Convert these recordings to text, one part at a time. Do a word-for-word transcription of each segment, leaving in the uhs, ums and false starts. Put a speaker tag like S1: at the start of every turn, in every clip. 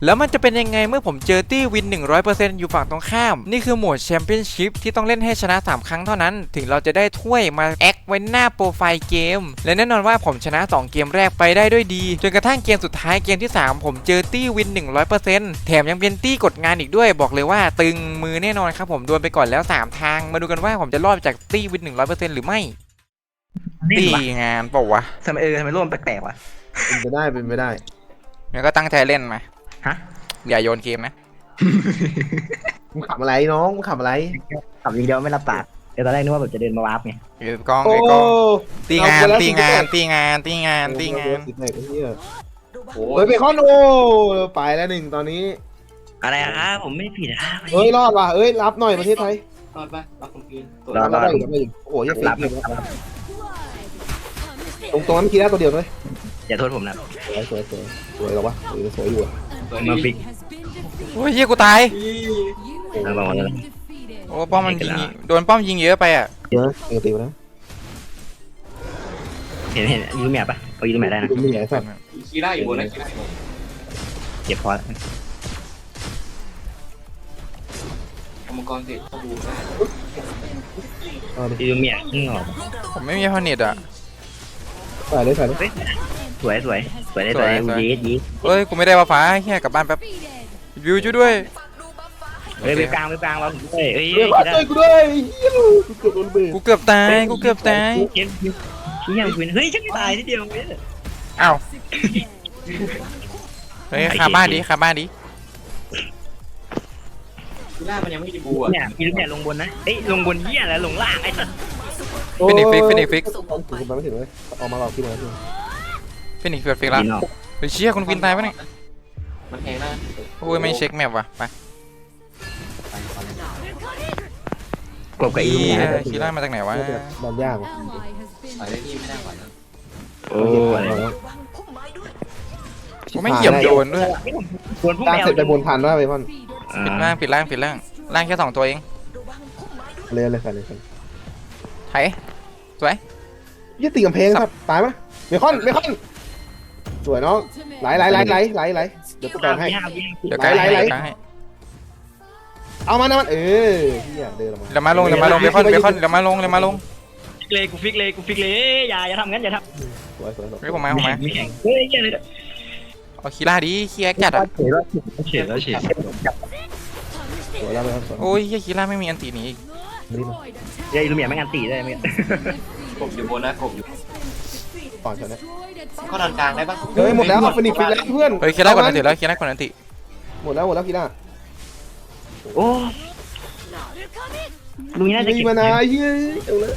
S1: แล้วมันจะเป็นยังไงเมื่อผมเจอตี้วิน หนึ่งร้อยเปอร์เซ็นต์ อยู่ฝั่งตรงข้ามนี่คือโหมดแชมเปี้ยนชิพที่ต้องเล่นให้ชนะสามครั้งเท่านั้นถึงเราจะได้ถ้วยมาแอคไว้หน้าโปรไฟล์เกมและแน่นอนว่าผมชนะสองเกมแรกไปได้ด้วยดีจนกระทั่งเกมสุดท้ายเกมที่สามผมเจอตี้วิน หนึ่งร้อยเปอร์เซ็นต์ แถมยังเป็นตี้กดงานอีกด้วยบอกเลยว่าตึงมือแน่นอนครับผมโดนไปก่อนแล้วสามทางมาดูกันว่าผมจะรอดจากตี้วิน หนึ่งร้อยเปอร์เซ็นต์ หรือไม่ตี้งานเปล่าวะ
S2: ทำไมเออทำไมร่วมแปลกๆวะ
S3: เป็นไปได้เป็นไปได้
S1: งั้นก็ตั้งใจเล่นมา
S2: ฮะ
S1: อย่าโยนเกมนะ
S3: มึงขับอะไรน้องมึงขับอะไร
S2: ขับยิงเดียวไม่รับปากเดี๋ยวตอนแรกนึกว่าแบบจะเดินมาวาร์ปไง
S1: ไอ้กล้องไอ้กล้องตีงานตีงานตีงานตีงานตีงาน
S3: ติดไหนกันเนี่ยโอ้ยเบคอนโอ้ไปแล้วหนึ่งตอนนี้
S2: อะไรอ่ะผมไม่ผิดอ่ะ
S3: เฮ้ยรอดว่ะเอ้ยรับหน่อยประเทศไทย
S4: รอดปะรอดคนอื่น
S3: รับได้อีกรับได้อีกโอ้โหยังฟิกอยู่ตรงตรงนั้นเมื่อกี้ได้ตัวเดียวเลย
S2: อย่าโทษผมนะ
S3: สวยสวยสวยสวยหรอวะสวยสวยอยู่อ่ะ
S4: ตัว
S2: มา
S4: นี้
S2: ฟิก
S1: โอ้ยเฮียกูตาย
S2: เอามาเลย
S1: โอ้ป้อมมันยิงโดนป้อมยิงเยอะไปอ่ะ
S3: เยอะปกตินะ
S2: เห็นเห็นยูแมปปะเอายูแมปได้นะ
S3: มีไหนสัตว์
S4: คีร่าอยู่บนนะคีร่าอยู่บน
S2: เก็บพอ
S4: เอามังกรเสร็จเข้าบูได้
S3: เอาดิ
S2: ยูแมปนี่หรอ
S1: ผมไม่มีพอเน็ตอ่ะ
S3: ใส่เลยใส่เลย
S2: สวยสวยสวยได้สวยยีดยีด
S1: เฮ้ยกูไม่ได้ว่าฟ้าเฮียกลับบ้านแป๊บวิวช่วยด้วย
S2: เฮ้ยไปกลางไปกลางเราเฮ้ยเฮ้ย
S3: เฮ้ยช่วยกูด้วยกูเกือบโดนเบรก
S1: กูเกือบตายกูเกือบตาย
S2: เฮ้ยชี้ยังคุยเฮ้ยฉันไม่ตายทีเดียวเว้ย
S1: อ้าวเฮ้ยคาบ้านดิคาบ้านดิ
S4: คีร่ามันยังไม่ได้บูอ่ะ
S2: เนี่ยยูแมปลงบนนะเอ้ยลงบนเหี้ยแล้วลงล่างไอ้สัส
S1: ฟินิกฟิกฟินิกฟิก
S3: ถึงมาไม่ถึงเลยออกมาหลอกพี่นะพี่
S1: ฟินิกฟิกฟิกละเฮ้ยเชี่ยคุณฟินตายปะเนี่ย
S4: มันแพงนะ
S1: โอ้ยไม่เช็คแมปว่ะไป
S2: กบกับยู
S1: เฮี
S2: แม
S1: ย
S2: ป
S1: คีร่ามาจากไหนวะ
S3: ดันยากว่ะ
S4: ใส่ได้ที่ไม่ได้หวานนะ
S2: โอ้ย
S1: กูไม่เหยียบโดนด้วย
S2: โดนพวก
S3: ตั้ง
S2: แมว
S3: เสร็จไปบนทันว่าเบคอน
S1: ปิดล่างปิดล่างปิดล่างล่างแค่สองตัวเอง
S3: เลยเลยใส่เลยใส่
S1: ไถสวย
S3: ยี่ตีกำแพงครับตายปะเบคอนเบคอนสวยน้องไหลไหลไหลไหลไหลไหลเดี๋ยวกูแบ่งให้
S1: เดี๋ยวกายให้เดี๋ยวกายให้
S3: เอามานะมันเออที่เดินออกมา
S1: เดี๋ยวมาลงเดี๋ยวมาลงเบคอนเบคอนเดี๋ยวมาลงเดี๋ยวมาลง
S2: เลยกูฟิกเลยกูฟิกเลยอย่าอย่าทำงั้นอย่าทำ
S3: สวยสวยสวย
S1: เฮ้ยผมมาผมมา
S2: มีแข่งเฮ้ยเหี้ยเลย
S1: เอาคีร่าดิคีแอคจัดอ่ะ
S2: เฉยแล้วเฉยแล้วเฉย
S3: สวยแล้วเลยครับสวย
S1: โอ้ยเฮียคีร่าไม่มีอันตีหนีอีก
S3: นี่มา
S2: เฮ้ยลูเมียไม่งานตีได้ไหม
S4: กบอยู่บนนะกบอยู่
S3: ก่อนเถอะนะ
S4: เข้าดันกลางได้ปะ
S3: เฮ้ยหมดแล้วเอาฟินิกฟิกแล้วเพื่อน
S1: เฮ้ยคีร่าก่อนอันติแล้วคีร่าก่อนอันติ
S3: หมดแล้วหมดแล้วกีฬา
S2: โอ้ลุงน่าจะ
S3: มี
S2: เก็บ
S3: มานาเฮ้ยเอาเลย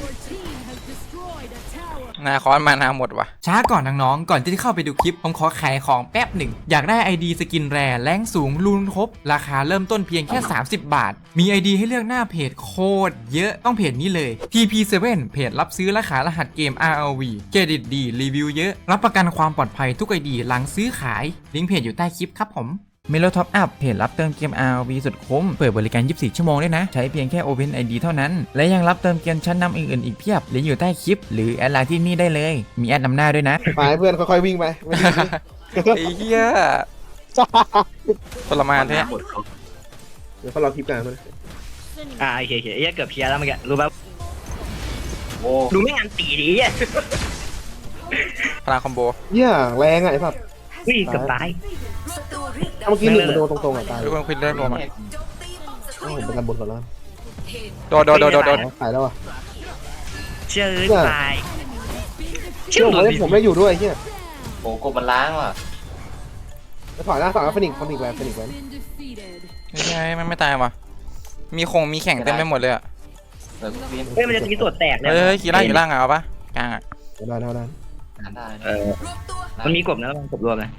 S1: นาคอนมานาหมดว่ะช้าก่อนน้องๆก่อนที่จะเข้าไปดูคลิปผมขอขายของแป๊บหนึ่งอยากได้ ไอ ดี สกินแรแรงสูงรูนครบราคาเริ่มต้นเพียงแค่สามสิบบาทมี ไอ ดี ให้เลือกหน้าเพจโคตรเยอะต้องเพจนี้เลย ที พี เซเว่น เพจรับซื้อและขายรหัสเกม อาร์ แอล วี เครดิตดีรีวิวเยอะรับประกันความปลอดภัยทุก ไอ ดี หลังซื้อขายลิงก์เพจอยู่ใต้คลิปครับผมเมโลท็อปอัพเพจรับเติมเกม อาร์ แอล วี สุดคุ้มเปิดบริการยี่สิบสี่ชั่วโมงด้วยนะใช้เพียงแค่ Open ไอ ดี เท่านั้นและยังรับเติมเกมชั้นนำอื่นๆอีกเพียบลิงก์อยู่ใต้คลิปหรือแอดไลน์ที่นี่ได้เลยมีแอดนำหน้าด้วยนะ
S3: ไปเพื่อนค่อยๆวิ่งไปไม่ดี
S1: ไอ้เหี้ยทรมานแท้
S4: หมดเขา
S3: เดี๋ยวเขารอคลิปกันมัน
S2: อ่าโอเคโอเคเอ้ยเกือบเคลียร์แล้วเมื่อกี้รู้ป่ะ
S4: โอ้
S2: ลุงไม่งานตีดิอ่ะ
S1: พลังคอมโบ
S3: เหี้ยแรงอ่ะไอ้สัตว์
S2: วิ่งเกือบตาย
S3: เมื่อกี้หนึ่งมันโดนตรงๆอ่ะตาย
S1: ทุกคนคุยเรื่องรวมอ่ะ
S3: ผมเป็นกันบนก่อนแล้ว
S1: โดดโดดโดดโดดโดด
S3: ตายแล้วอ่ะ
S2: เจอตาย
S3: เชื่อผมเลยผมไม่อยู่ด้วยเฮีย
S4: โหกบมันล้างว่ะ
S3: แล้วถอยหน้าฝั่งฟินิกฟินิกแวนฟินิกแวน
S1: ไม่ใช่มันไม่ตายว่ะมีคงมีแข่งเต็มไปหมดเลยอ่ะ
S4: เออเวียน
S2: เฮ้ยมันจะตีตัวแตกเลย
S1: เฮ้ยขี่ล่างอยู่ล่างอ่ะเอาปะกลางอ่ะ
S3: ได้ได้ได้
S4: หาได้
S2: เออมันมีกบนะมันกบรวมเลย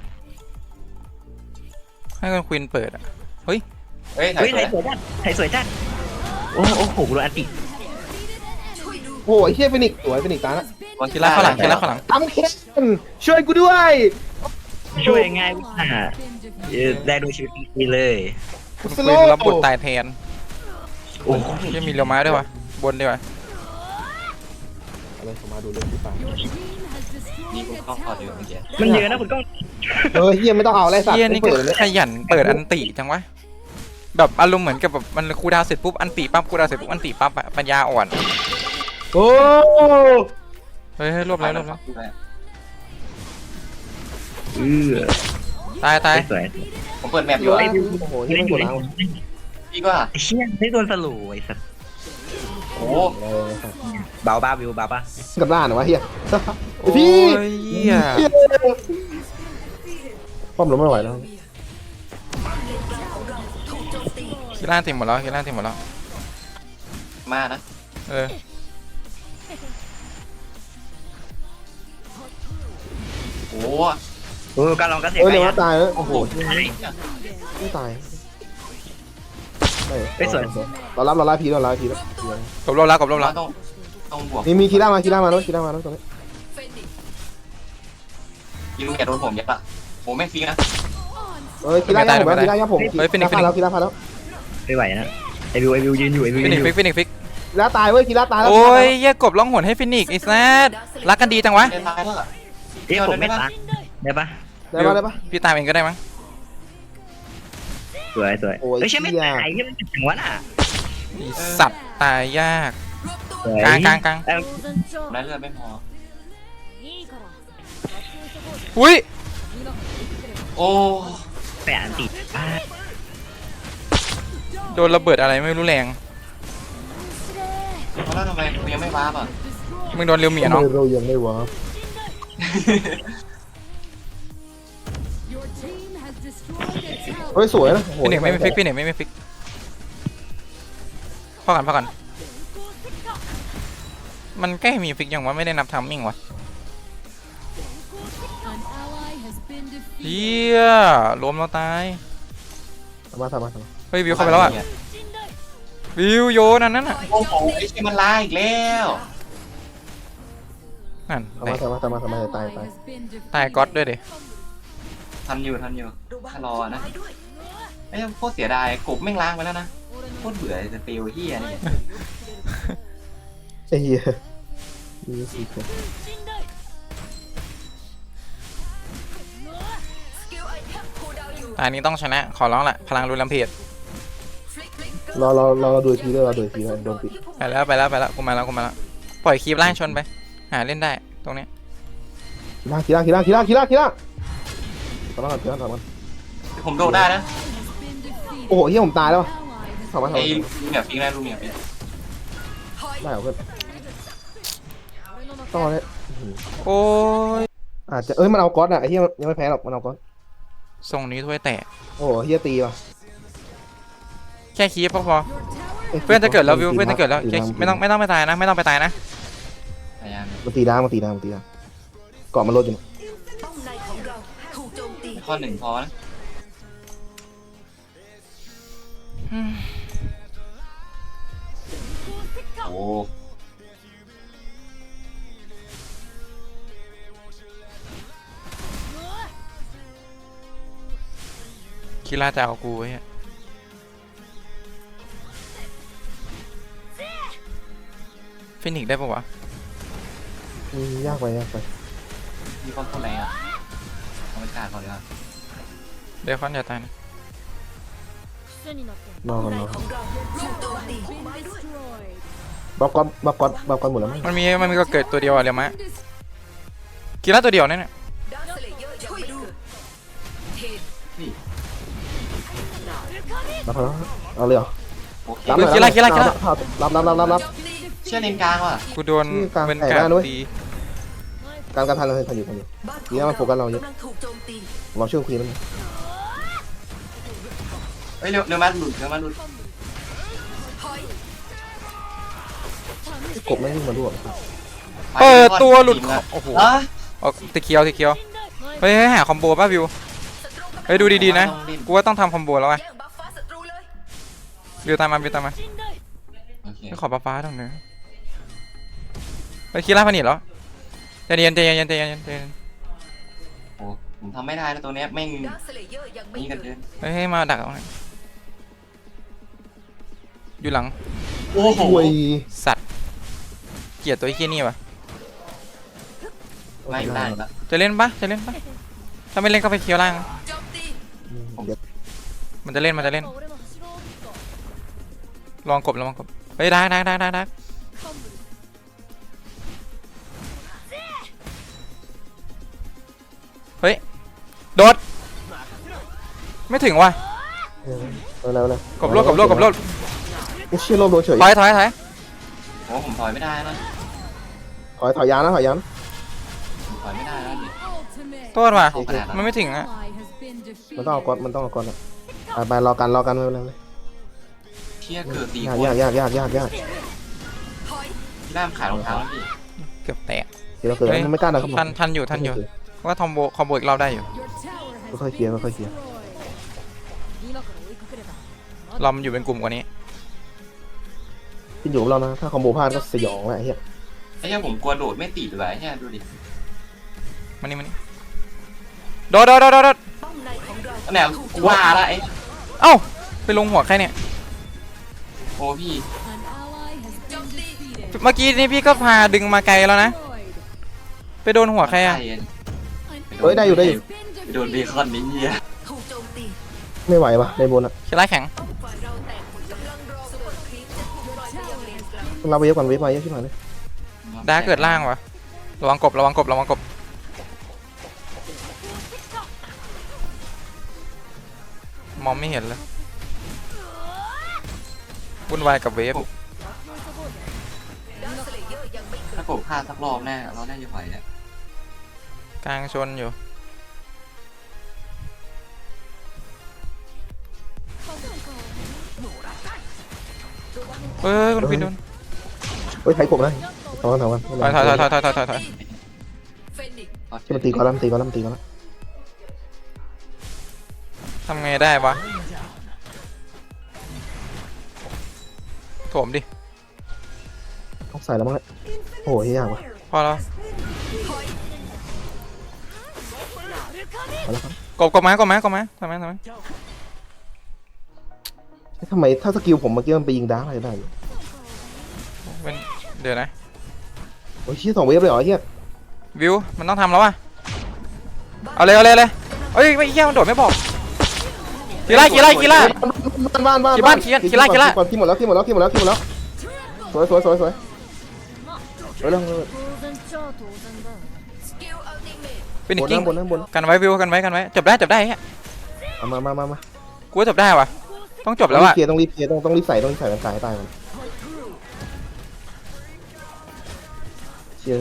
S1: ให้คนควินเปิดอ่ะเฮ้ย
S4: เฮ้ย
S2: เฮ้ย
S4: ถ่าย
S2: ไทยสวยจัดไทยสวยจัดโอ้โอ้โหโดนอันติ
S3: โอ้ยเฮียฟินิกสวยฟินิกตายละ
S1: ขี่ล่างข้างหลังขี่ล่างข้างหลัง
S3: ทำเคนช่วยกูด้วย
S2: ช่วยง่ายอ่ะได้ดูชีวิตดีเลย
S1: คนควินรับบทตายแทน
S2: โอ้
S1: ยังมีเรียวม้าด้วยวะบนด้วยวะ
S3: อะไรผมมาดูเรื่องที่ตาย
S4: นี่คุณต้องขอดูเมื่อกี้
S2: มันเยอะนะคุณก้อง
S3: เออเฮียไม่ต้องเอาอะไรสัตว์
S1: เฮียนี่ก็
S3: ไม่เปิดเลย
S1: ขยันเปิดอันติจังวะแบบอารมณ์เหมือนกับแบบมันคูลดาวน์เสร็จปุ๊บอันติปั๊บคูลดาวน์เสร็จปุ๊บอันติปั๊บอะปัญญาอ่อน
S3: โอ้
S1: เฮ้ยเฮ้ยรวบแล้วรวบแล้ว
S2: เออ
S1: ตายตาย
S2: สวย
S4: ผมเปิดแมปอยู่
S2: ไอ้
S4: อะ
S2: ดิว
S3: โอ้โห
S2: เล่
S3: เฮีย
S2: น
S3: ไม่
S2: อก ยู่
S3: ด
S2: เล่น
S3: ล้าง
S2: อยู่
S4: พี่ก็
S2: ไอ้เชี่ยไม่โดนสลูไอ้สัตว์
S4: โอ้
S3: เออ
S2: เบาบ้าวิวเบาบ้า
S3: กับด้านเหรอวะเฮีย
S1: โอ้
S3: พี่
S1: ยเฮีย
S3: ป้อมล้มไม่ไหวแล้ว
S1: คิล่าติมหมดแล้วคิล่าติมหมดแล้ว
S4: มานะ
S1: เออ
S4: โอ้
S2: โอ้การลองกระเสีย
S3: เออ
S2: ไป
S3: เดี๋ยว
S2: อ่ะ
S3: ว่าตายแล้วโอ้โห
S2: ตาย
S3: ไม่ตาย
S2: เฮ้ยสวย
S3: เรารับเรารับพีเรารับพีแล้ว
S1: กบรอบแล้วกบรอบ
S4: เรา
S1: แล้ว
S4: ต้องต้องบวก
S3: มีมีคีร่ามาคีร่ามาแล้วคีร่ามาแล้วตรงนี้
S4: ยิงอย่าโดนผมยัดอะผมไม่ฟิกนะ
S3: เออคีร่าย่าผมแล้วคีร่าย่าผมคีร่าพาแล้วคีร่าพาแล้ว
S2: ไม่ไหวนะไอวิวไอวิวยืนอยู่ไอวิว
S1: ฟิ
S2: ยื
S1: นิ
S2: น
S1: ก
S2: อยู่
S1: ฟิกฟินิกฟิก
S3: คีร่าตายเว้ยคีร่าตายแล้ว
S1: โอ้ยเฮียกบร้องหนให้ฟินิกไอ้แซดรักกันดีจังวะ
S4: เล่นตายแล้วอะ
S2: เอ้ยผมไม่ตายได้ปะ
S3: ได้ปะได้ปะ
S1: พี่ตามเองก็ได้มั้ง
S2: สวยสวย
S3: โอ้ย
S2: เอ้ยใช่ไม่
S3: เหี้ย
S2: ตายที่มันถึงวะน่ะ
S1: ไอ้สัตว์ตายยาก
S2: สวย
S1: กลางกลางกลาง
S2: เอ้ย
S4: ได้เลือดไม่พอ
S1: อุ้ย
S4: โอ้
S2: แปะอันติดอ่ะ
S1: โดนระเบิดอะไรไม่รู้แรง
S4: แล้วทำไมกูยังไม่วาร์ปอ่ะ
S1: มึงโดนเรียวเหมียเนาะ
S3: เรายังไม่วะ เฮ้ยสวยนะโอ้โห
S1: ฟินิกไม่ไม่ฟิกฟินิกไม่ไม่ฟิกพอกันพอกันมันใกล้มีฟิกยังวะไม่ได้นับทัมมิ่งวะเฮียล้มแล้วตาย
S3: ทำมาทำมาทำมา
S1: เฮ้ยวิวเข้าไปแล้วอ่ะวิวโยนอันนั้นอ่ะ
S4: โอ้โหไอ้เชี่ยมันลาอีกแล้ว
S1: นั่น
S3: ทำมาทำมาทำมาทำมาตายตาย
S1: ตายก๊อตด้วยดิ
S4: ทันอยู่ทันอยู่ถ้ารอนะไอ้โคตรเสียดายกบแม่งล้างไปแล้วนะโคตรเบื่อจะติวเฮียนี่
S3: ไอ้เหี้ยมีสิคน
S1: ตายนี้ต้องชนะขอร้องละพลังรุนแรงเพจ
S3: รอรอรอดูทีด้วยรอดูทีด้วยโดนปิด
S1: ไปแล้วไปแล้วไปแล้วกูมาแล้วกูมาแล้วปล่อยคีบล่างชนไปหาเล่นได้ตรงนี้
S3: คีร่าคีร่าคีร่าคีร่าคีร่าคีร่าทำมาคีร่าทำมา
S4: ผมโดดได้นะ
S3: โอ้โหเฮียผมตายแล้วทำมาทำ
S4: ไอ้
S3: มา
S4: ลูกเหมียวฟิกได้ลูกเหมียวฟิก
S3: ได้เหรอเพื่อนต้องเลย
S1: โอ้ย
S3: อาจจะเอ้ยมันเอาก๊อตอ่ะไอ้เฮียยังไม่แพ้หรอกมันเอาก๊อต
S1: ทรงนี้ถ้วยแตก
S3: โอ้โหเฮียตีว่ะ
S1: แค่คีบพอพอเพื่อนจะเกิดแล้ววิวเพื่อนจะเกิดแล้วแค่ไม่ต้องไม่ต้องไปตายนะไม่ต้องไปตายนะ
S4: พยายาม
S3: มันตีด้ามันตีด้ามันตีด้าเกาะมันลดอยู่
S4: ข้อหนึ่งพอนะโอ้
S1: คีร่าจะเอากูไว้อะฟินิกได้ปะวะ
S3: อืมยากไปยากไป
S4: มีคนคนแรงอ่ะเอาไปกาดก่อนดีกว่า
S1: เดี๋ยวคอนอย่าตายนะ
S3: นอนนอนบัฟก๊อตบัฟก๊อตบัฟก๊อตหมดแล้วมั้ง
S1: มันมีมันมีก็เกิดตัวเดียวอะเรียวมะคีร่าตัวเดียวเนี่ย
S3: บัฟแล้วเอาเลยเหรอ
S4: โอเค
S3: รับรับรับรับรับรับ
S4: เชื่อเลนกลางว่ะ
S1: กูโดน
S3: นี่กลาง
S1: เป็น
S3: แตก
S1: กา
S3: ได้
S1: ร
S3: ด้วย
S1: ตี
S3: การการทันเราทันอยู่ทันอยู่นี่มันโฟกัสเราเยอะเราช่วยคุยมัน
S4: เฮ้ยเร็วเร็วมาหลุดเร็วมาหลุด
S3: กบไม่วิ่งมาด้วย
S1: เปิดตัวหลุดโอ้โห
S4: อ่ะ
S1: เอาตะเคียวตะเคียวเฮ้ยให้หาคอมโบป่ะวิวเฮ้ยดูดีๆนะกูว่าต้องทำคอมโบแล้วไงวิวตามมาวิวตามมา
S4: โอเค
S1: ขอฟ้าฟ้าตรงนี้ไปคีร่าพนิดเหรอใจเย็นใจเย็นใจเย็นใจเย็น
S4: โอ้ผมทำไม่ได้นะตัวเนี้ยแม่งนี่กันเกิน
S1: เฮ้ยให้มาดักตรงนี้อยู่หลัง
S4: โอ้โห
S3: คุย
S1: สัตว์เกลียดตัวไอ้เหี้ยนี่วะ
S4: ไม่อยู่ได้แล้ว
S1: จะเล่นปะจะเล่นปะถ้าไม่เล่นก็ไปเคียวล่าง
S3: เดี๋ยว
S1: มันจะเล่นมันจะเล่นลองกบลองกบเฮ้ยได้ได้ได้ได้ได้เฮ้ยโดดไม่ถึงว่ะ
S3: เร็วเร็วเร็ว
S1: กบโลดกบโลดกบโลด
S3: ไอ้เชี่ยโลดโดนเฉย
S1: ถอยถอยถอย
S4: โอ้ผมถอยไม่ได้นะ
S3: ถอยถอยยานนะถอยยาน
S4: ผมถอยไม่ได้แล้วดิ
S1: โทษว่ะ
S4: เข้าขนาดนั้น
S1: มันไม่ถึงอะ
S3: มันต้องเอาก้อนมันต้องเอาก้อนอะไปไปรอกันรอกันไม่เป็นไรเลย
S4: เที่ยเกิดตี
S3: ยาก
S4: โคต
S3: ยาร กยากยากยากยาก
S4: พี่ล่ามขายรองเท้าแล้วพี่
S1: เกือบแตก
S3: เดี๋ยวเราเกิดมันไม่กล้านะครับผม
S1: ทันทันอยู่ทันอยู่เพราะว่าทอมโบคอมโบอีกรอบได้อยู่
S3: ค่อยๆเคลียร์ค่อยๆเคลียร์
S1: เรามันอยู่เป็นกลุ่มกว่านี้
S3: ขึ้นอยู่กับเรานะถ้าคอมโบพลาดก็สยองแหละไอ้เหี้ย
S4: ไอ้เหี้ยผมกลัวโดดไม่ติดเลยไอ้เหี้ยดูดิ
S1: มานี่มานี่โดดโดดโดดโดดโดด
S4: นั่นแหละกูว่าละไอ้
S1: เอ้าไปลงหัวใครเนี่ย
S4: โอ้พี่
S1: เมื่อกี้นี่พี่ก็พาดึงมาไกลแล้วนะไปโดนหัวใครอะ
S3: เฮ้ยได้อยู่ได้อยู่
S4: ไปโดนเบคอนนี่เหี้ย
S3: ไม่ไหวปะในบนอะ
S1: คิดไรแข็ง
S3: เราเวฟกันเวฟมาเยอะขึ้นมาเลย
S1: ดาเกิดล่างวะระวังกบระวังกบระวังกบมองไม่เห็นเลยวุ่นวายกับเวฟ
S4: ถ้าผมพลาดสักรอบแน่เราได้จะไหวเนี่ย
S1: กลางชนอยู่เฮ้ยคุณพี่โดน
S3: เฮ้ยไทยกบนะถอยถอยถอย
S1: ถอยถอยถอยถอยถอยถอยถอยถอย
S3: ที่มันตีก่อนแล้วมันตีก่อนแล้วมันตีก่อนแล้ว
S1: ทำไงได้วะโถมดิ
S3: ต้องใส่แล้วมั้งเนี่ยโอ้ยยากว่ะ
S1: พอแล้ว
S3: เอาละครับ
S1: กบกบมากบมากบมาทำไมทำไม
S3: ทำไมถ้าสกิลผมเมื่อกี้มันไปยิงดาร์กอะไรได้อยู่
S1: เป็นเดี๋ยวนะ
S3: โอ้ยเชี่ยสองเวฟเลยเหรอเฮีย
S1: วิวมันต้องทำแล้ววะเอาเลยเอาเลยเอาเลยเอ้ยไม่เหี้ยมันโดดไม่บอกกีฬากีฬากีฬา
S3: บ้านบ้านบ้าน
S1: กี่บ้านกี่บ้านกี่บ้านกี่บ้าน
S3: ขี้หมดแล้วขี้หมดแล้วขี้หมดแล้วขี้หมดแล้วสวยสวยสวยสวยสวยเร็วเร็ว
S1: เป็นอี
S3: บ
S1: ก
S3: น
S1: กิ้ง
S3: น้ำบนน้ำบน
S1: กันไว้วิวกันไว้กันไว้จบได้จบได้เฮ้ย
S3: เอามามามามา
S1: กูว่าจบได้วะต้องจบแล้ว
S3: ต้องรี
S1: อะ
S3: บเคลียร์ต้องรีบเคลียร์ต้องต้องรีบใส่ต้องรีบใส่กันตายตายมันเชี่ย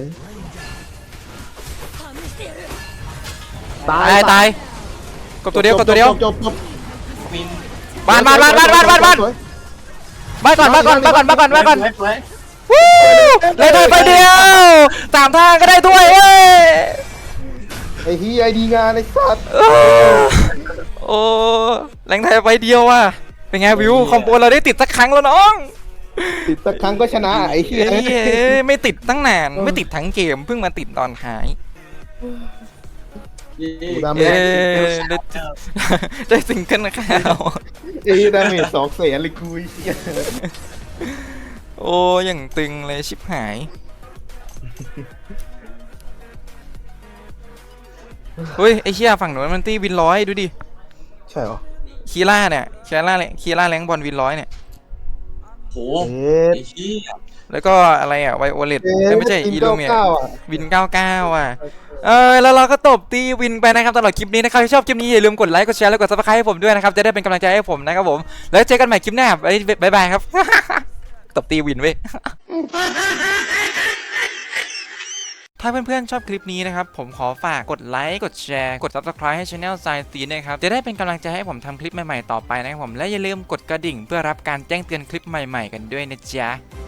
S1: ตายตายกบตัวเดียวกบตัวเดียว
S3: จบจบ
S4: วิน
S1: บ้านบ้านบ้านบ้านบ้านบ้านบ้านบ้านก่อนบ้านก่อนบ้านก่อนบ้านก่อนบ้านก่อน
S4: สวย
S1: วู้เลยได้ไปเดียวสามทางก็ได้ถ้วยเอ้ย
S3: ไอ้ฮีไอดีงานไอ้สัตว์
S1: เออโอ้แรงไทยไปเดียวว่ะเป็นไงวิวคอมโบเราได้ติดสักครั้งแล้วน้อง
S3: ติดสักครั้งก็ชนะไอ้เหี้ย
S1: เอ้ยไม่ติดตั้งนานไม่ติดทั้งเกมเพิ่งมาติดตอนท้าย
S3: กูดาเม
S1: เอ้
S3: จ
S1: ยได้ได้ซิงเกิลข่าว
S3: ไอ้ดาเมจสองแสนเลยกูไอ้เหี้ย
S1: โอ้อย่างตึงเลยชิบหายเฮ้ยไอเชี่ยฝั่งหนูนมันตีวินร้อยดูดิ
S3: ใช่เหรอ
S1: คีร่าเนี่ยคีร่าเลยคีร่าแรงบอลวินร้อยเนี่ย
S4: โห
S3: เอ๊ะ
S4: ไอ้เหี้ย
S1: แล้วก็อะไรอ่ะไวโอเลต
S3: เอ๊ะ
S1: ไม่ใช่
S3: ที
S1: อี
S3: ม
S1: ลูเมีย
S3: เก้าเก้าอ่ะ
S1: วินเก้าเก้าอ่ะเออแล้วเราก็ตบตีวินไปนะครับตลอดคลิปนี้นะครับถ้าชอบคลิปนี้อย่าลืมกดไลค์กดแชร์แล้วกดซับสไครต์ให้ผมด้วยนะครับจะได้เป็นกำลังใจให้ผมนะครับผมแล้วเจอกันใหม่คลิปหน้าบ๊ายบายครับ ตบตีวินเว้ย ถ้าเพื่อนๆชอบคลิปนี้นะครับผมขอฝากกดไลค์กดแชร์กด ซับสไครบ์ ให้ Channel Science Street นะครับจะได้เป็นกำลังใจให้ผมทำคลิปใหม่ๆต่อไปนะครับผมและอย่าลืมกดกระดิ่งเพื่อรับการแจ้งเตือนคลิปใหม่ๆกันด้วยนะจ๊ะ